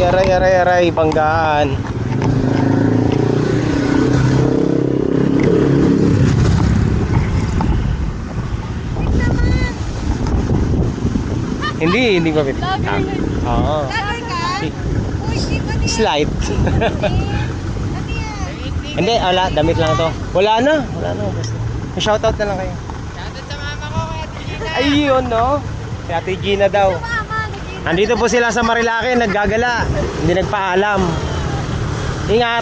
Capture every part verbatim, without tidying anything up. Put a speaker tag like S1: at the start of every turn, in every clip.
S1: aray, aray, aray, banggaan. Hindi, hindi ba bit? Oo. Slight. Hindi, wala, damit lang to. Wala na, wala na. Shoutout na lang kayo.
S2: Shoutout sa mama ko, kaya Gina.
S1: Ayun, no? Si Ate Gina daw. Nandito po sila sa Marilake, naggagala. Hindi nagpaalam. Ingat.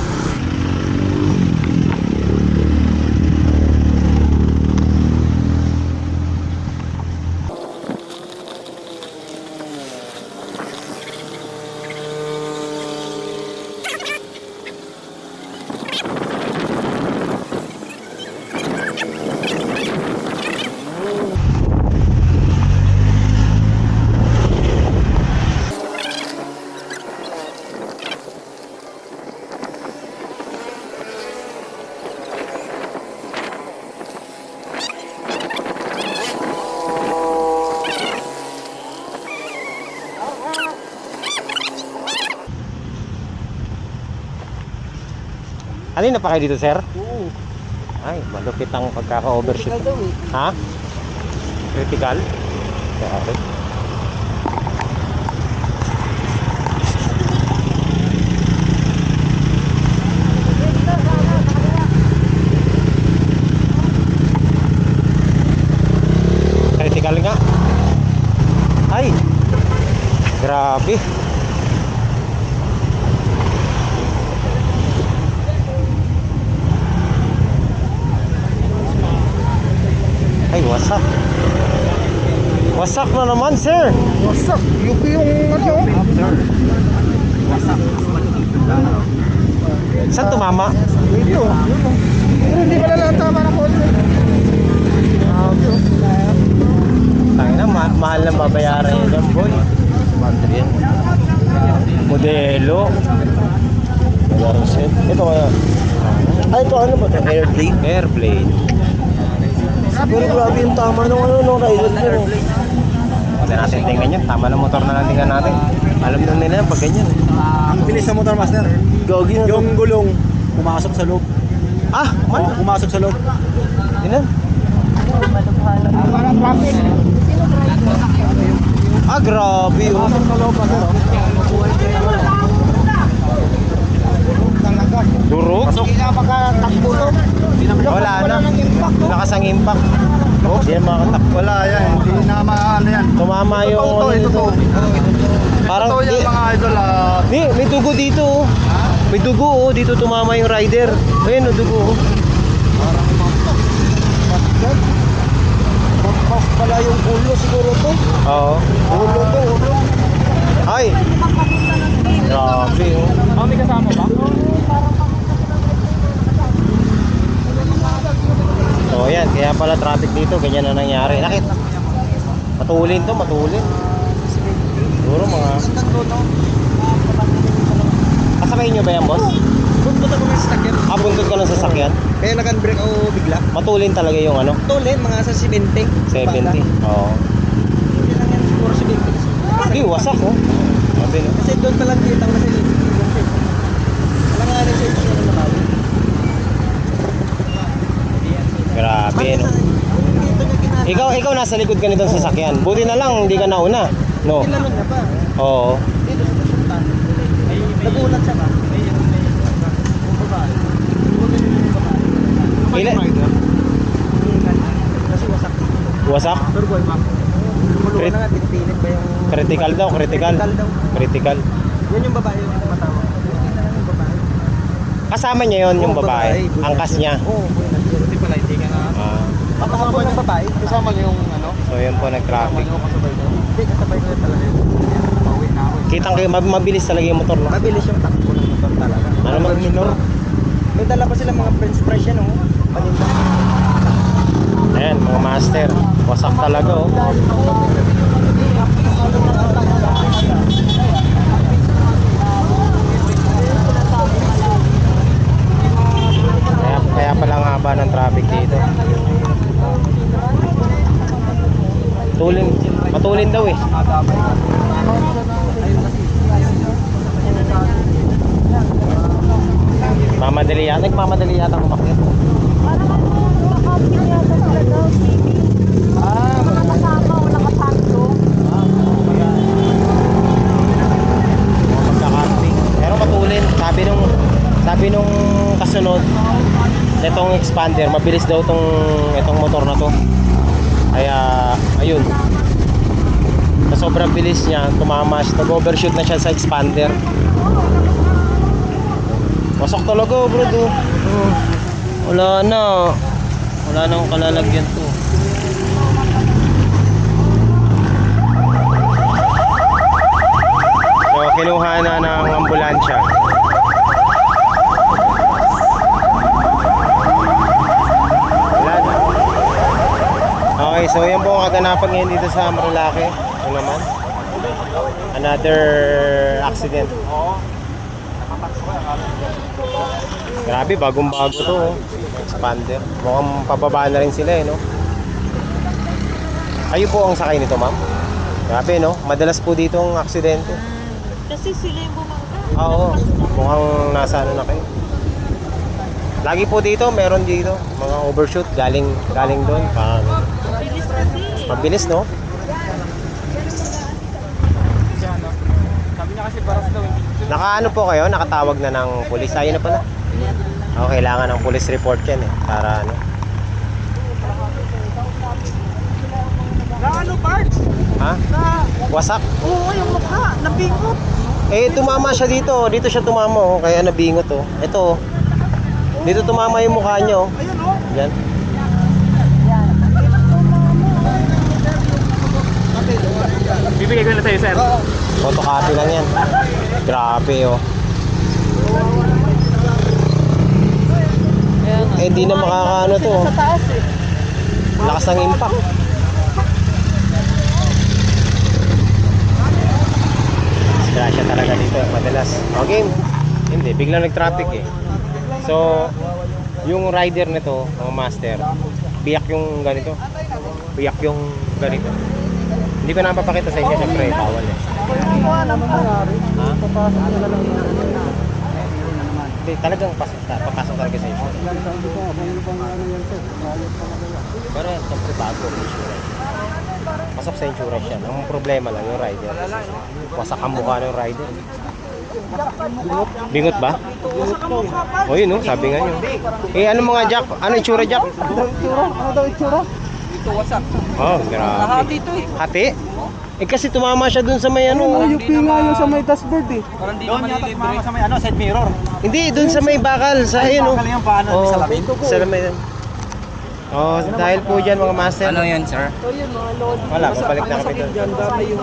S1: Kanina pa kayo dito, sir?
S2: Oo.
S1: Ay, malupit ang pagkaka-overshoot.
S2: Critical daw eh.
S1: Ha? Critical? Grabe. Critical nga. Ay! Grabe. Ay, wasak. Wasak na naman, sir.
S2: Wasak. Yung yung ano? Wasak.
S1: Saan tumama?
S2: Ito. Pero hindi pala lang tama ng kotse.
S1: Tangina, ma mahal na babayaran yun dyan, boy. Madrid. Modelo. Ito kaya.
S2: Ay, ito ano ba ito? Airblade?
S1: Airblade.
S2: Pero grabe yung tama ng ano, no, rider ko.
S1: Hindi natin tingnan yan. Tama na motor na lang tingnan natin. Alam na nila yan pag ganyan.
S2: Ang bilis ng motor, master.
S1: Gagi na
S2: Yung gulong, pumasok sa loob.
S1: Ah, man.
S2: Oh, pumasok sa loob.
S1: Yun
S2: Parang traffic.
S1: Ah, grabe. Oh.
S2: Pumasok sa loob, master.
S1: Durog?
S2: Hindi na makatakbo to.
S1: Wala na. Lakas ang impact. Oh, hindi na makatakbo.
S2: Wala yan, hindi na maano yan.
S1: Tumama yung
S2: Ito,
S1: ano
S2: ito,
S1: dito.
S2: ito.
S1: Parang
S2: Ito yan
S1: di-
S2: mga idol. ah.
S1: Ni, may dugo dito. Oh. May dugo oh. Dito tumama yung rider. Ayun, oh, dugo. Oh.
S2: Parang mapak. Mapak. Mapak pala yung ulo siguro to.
S1: Oo.
S2: Ulo to, ulo.
S1: Ay. Grabe. Oh.
S2: Ah, may kasama ba?
S1: So yan, kaya pala traffic dito, ganyan na nangyari. Nakit. Matulin to, matulin. Siguro mga... Kasakay nyo ba yan, boss?
S2: Buntot ako ng sasakyan.
S1: Ah, buntot ka ng sasakyan?
S2: Kaya nag-unbreak ako bigla.
S1: Matulin talaga yung ano?
S2: Tulin, mga sa seventy.
S1: seventy. Oo.
S2: Hindi lang yan, siguro seventy.
S1: Hindi, wasak oh. Sabi no?
S2: Kasi doon pa lang kitang nasa seventy. Alanganin sa ito na naman.
S1: Grabe no. Ikaw, ikaw nasa likod ka nitong sasakyan. Buti na lang, hindi ka nauna. No?
S2: Kailangan niya pa.
S1: Oo.
S2: Dito sa pupunta. Nagulat siya ba? Yung babae. Yung babae.
S1: Ilan?
S2: Kasi wasak.
S1: Wasak?
S2: Turboy, ma'am. Kuluan
S1: Crit-
S2: na nga, pinipilit ba yung...
S1: Critical daw, critical.
S2: Critical daw.
S1: Critical.
S2: Yan yung babae yung tumatawag. Buti na lang yung babae.
S1: Kasama niya yon yung
S2: Oo,
S1: babae.
S2: buti
S1: Angkas
S2: na-
S1: niya.
S2: Oo, buti na. Buti pala, hindi ka na...
S1: Ah.
S2: Papakabol ng babae. Kasama niyo yung ano?
S1: So yun po
S2: Kasama
S1: nag-traffic.
S2: niyo kasabay ko. Hindi, kasabay ko yun talaga yun. Pauwi na ako.
S1: Kitang kayo, mab- mabilis talaga yung motor no?
S2: Mabilis yung takbo ng motor talaga.
S1: Ano mag minor?
S2: May dala pa sila mga french fries yan, oh. Paninda.
S1: Ayan, mga master. Wasak talaga oh. Kaya, kaya pala ang haba ng traffic dito. Tulin, matulin daw eh. Nagmamadali yata. Nagmamadali yata umakyat.
S3: Parang ano, naka-camping yata sila daw, maybe.
S2: Ah,
S3: Mga kasama o nakapagdo.
S1: Magka-camping. Pero matulin. Sabi nung sabi nung kasunod nitong expander, mabilis daw tong itong motor na to. Kaya ayun. Sa sobrang bilis niya, tumama siya. Nag-overshoot na siya sa expander. Pasok talaga, bro. Do. Oh. Wala na. Wala nang kalalagyan to. So, kinuha na ng ambulansya. Wala na. Okay, so yan po ang kaganapan ngayon dito sa Marilake. Ito naman. Another accident. Grabe, bagong bago to. Oh. Expander. Mukhang pababa na rin sila eh, no? Kayo po ang sakay nito, ma'am? Grabe, no? Madalas po dito ang aksidente.
S3: Kasi sila yung bumangka.
S1: Oo, mukhang nasa ano na kayo. Lagi po dito, meron dito. Mga overshoot, galing galing doon. Pa,
S3: Bilis kasi.
S1: mabilis, no?
S2: sabi niya kasi baras daw.
S1: Nakaano po kayo? Nakatawag na ng pulis. Ayun na pala. Oo, kailangan ng police report yan eh. Para ano.
S2: Na ano, parts?
S1: Ha?
S2: Na,
S1: Wasak?
S2: oo, yung mukha, nabingot.
S1: Eh, tumama siya dito. Dito siya tumama, oh. Kaya nabingot, oh. Ito, oh. Dito tumama yung mukha niya, oh.
S2: Ayun, oh.
S1: Yan.
S2: Bibigay ko na sa'yo, sir.
S1: Photocopy lang yan. Grabe, oh. Eh, di na makakaano to.
S3: Sa taas eh.
S1: Lakas ng impact. Disgrasya talaga dito, madalas. Okay, hindi, biglang nag-traffic eh. So, yung rider nito, mga master, biyak yung ganito. Biyak yung ganito. Hindi ko na mapapakita sa inyo, syempre, bawal eh.
S2: Wala naman nangyari.
S1: Ha?
S2: Papasok nila lang yun.
S1: Hindi, talagang pasok, papasok talaga sa inyo.
S2: Yan, sabi ko, ano bang ano yan, sir? Ayos pa na kaya.
S1: Pero syempre bago ang insurance. Pasok sa insurance yan. Ang problema lang yung rider. Wasak ang mukha ng rider. Bingot ba? O yun no, sabi nga nyo. Eh ano mga jack? Ano itsura jack?
S2: Ano daw itsura? Ano daw itsura? Ito, wasak.
S1: Oh, grabe.
S2: Lahati ito eh.
S1: Hati? Eh kasi tumama siya dun sa may
S2: Ano,
S1: ano.
S2: yung pinga yung sa may dashboard eh. Parang di naman ilibre. Sa may ano, side mirror.
S1: Hindi, dun sa may bakal. Sa ayun oh.
S2: Bakal yung paano, may salamin.
S1: Sa salamin. Oh, dahil po dyan mga master.
S4: Ano yan, sir?
S3: So yun, mga load.
S1: Wala, babalik na kami doon.
S2: Diyan, dami yung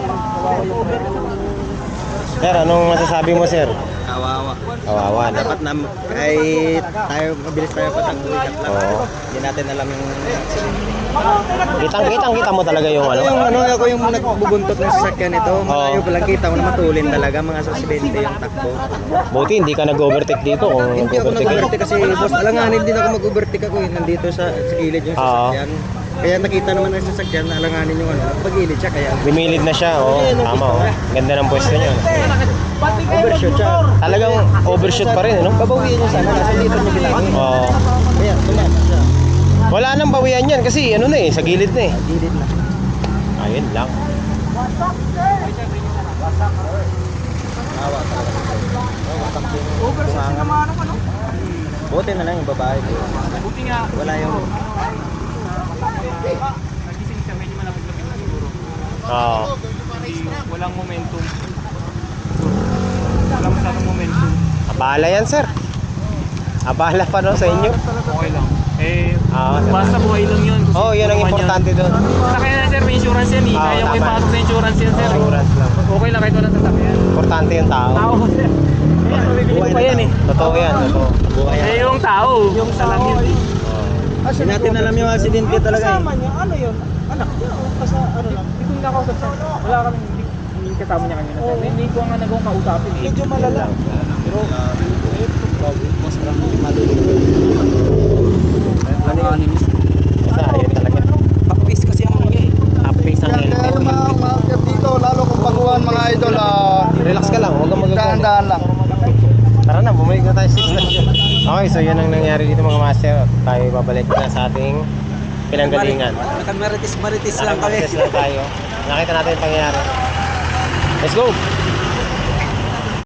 S1: Sir, anong masasabi mo sir?
S4: Kawawa.
S1: Kawawa na.
S4: Dapat na kahit tayo mabilis tayo patanggulat lang.
S1: Oo.
S4: Hindi natin alam yung
S1: Kitang kitang kita mo talaga yung ano.
S4: yung ano ako yung nagbubuntot ng sasakyan nito. Malayo
S1: Oo.
S4: pa lang kita ko na matulin talaga mga sasidente yung takbo.
S1: Buti hindi ka nag-overtake dito kung
S4: Hindi ako
S1: overtake.
S4: nag-overtake kasi boss, alanganin din ako mag-overtake ako eh. Nandito sa, sa gilid yung
S1: Oo.
S4: sasakyan. Kaya nakita naman ng sasakyan na alanganin yung ano, pag-gilid siya kaya
S1: Lumilid na siya, oh. Tama, oh. Ganda ng pwesto niya.
S4: overshoot siya.
S1: Talagang overshoot pa rin, no?
S4: Babawiin yung sana nasa dito niya bilangin.
S1: Oo.
S4: Kaya tumama siya.
S1: Wala nang bawian yan kasi ano na eh, sa gilid na eh.
S4: Gilid na.
S1: Ayun lang.
S4: Awa talaga.
S2: overseas naman ano ano.
S4: Buti na lang yung babae.
S2: Buti nga.
S4: Wala yung
S2: Nagising siya, medyo malapit-lapit na siguro.
S1: Oo.
S2: Hindi, walang momentum. Walang masyadong momentum.
S1: Abala yan, sir. Abala pa no sa inyo.
S2: Okay lang. Eh,
S1: Oo,
S2: basta buhay lang yun.
S1: Oh, yun ang importante doon.
S2: Sakyan na sir, may insurance yan eh.
S1: Oo,
S2: Kaya ko
S1: tama.
S2: ipasok sa insurance yan sir.
S1: Insurance lang.
S2: Okay lang kahit walang sasakyan.
S1: Importante yung tao.
S2: Tao sir. Eh, mabibili ko pa yan eh.
S1: Totoo yan, totoo.
S4: buhay.
S2: Eh, yung tao. Yung salam yun.
S1: Oo.
S4: Hindi natin alam yung aksidente talaga eh.
S2: niya, ano yun? Anak niya o kasa, ano lang? Hindi ko nakausap siya. Wala kami, hindi, hindi kasama niya kanina. Oh, hindi ko nga nagawang kausapin eh. Medyo malala. Pero,
S4: Mas marami malulog.
S1: Ano yun? Basta, ayun talaga.
S4: Pakpis kasi ang mga eh.
S1: Upface ang helmet.
S5: Mga dito, lalo kung baguhan mga idol, ah,
S1: Relax ka lang, huwag kang magagalit.
S5: dahan-dahan lang.
S1: Tara na, bumalik na tayo sa station. Okay, so yun ang nangyari dito mga master. Tayo babalik na sa ating pinanggalingan.
S4: Nakamaritis-maritis lang kami.
S1: Nakapag-test lang tayo. Nakita natin yung pangyayari. Let's go!